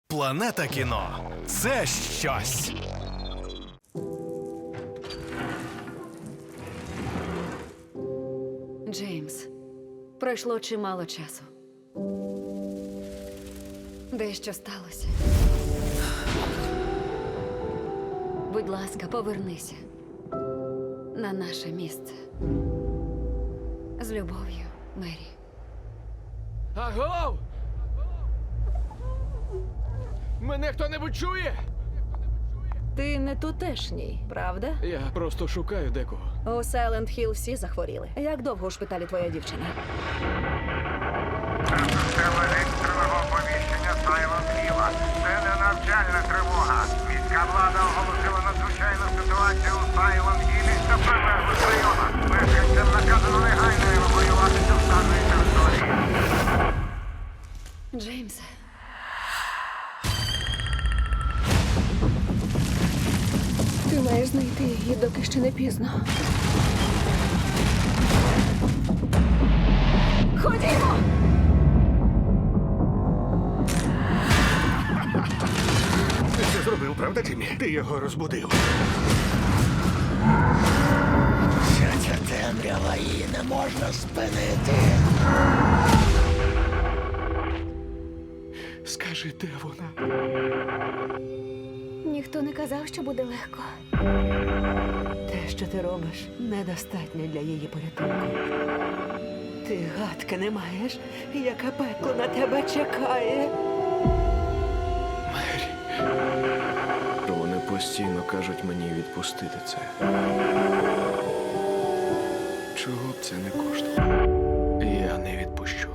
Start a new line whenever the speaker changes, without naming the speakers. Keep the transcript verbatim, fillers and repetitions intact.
Планета кіно – це щось.
Джеймс, пройшло чимало часу. Дещо сталося. Будь ласка, повернися на наше місце. З любов'ю, Мері.
Агов! Мене хто-небудь чує?
Ти не тутешній, правда?
Я просто шукаю декого.
У Сайленд Хілл всі захворіли. Як довго у шпиталі твоя дівчина?
Це система екстреного оповіщення Silent Hill. Це не навчальна тривога. Міська влада оголосила надзвичайну ситуацію у Silent Hill та прилеглих районах. Мешканцям наказано негайно евакуюватися з даної території.
Джеймсе.
Ти маєш знайти її, доки ще не пізно. Ходімо!
Ти це зробив, правда, Тіммі? Ти його розбудив.
Вся ця темрява, її не можна спинити.
Скажи, де вона?
Ніхто не казав, що буде легко.
Те, що ти робиш, недостатньо для її порятунку. Ти гадки не маєш, яке пекло на тебе чекає.
Мері. Вони постійно кажуть мені відпустити це. Чого б це не коштувало? Я не відпущу.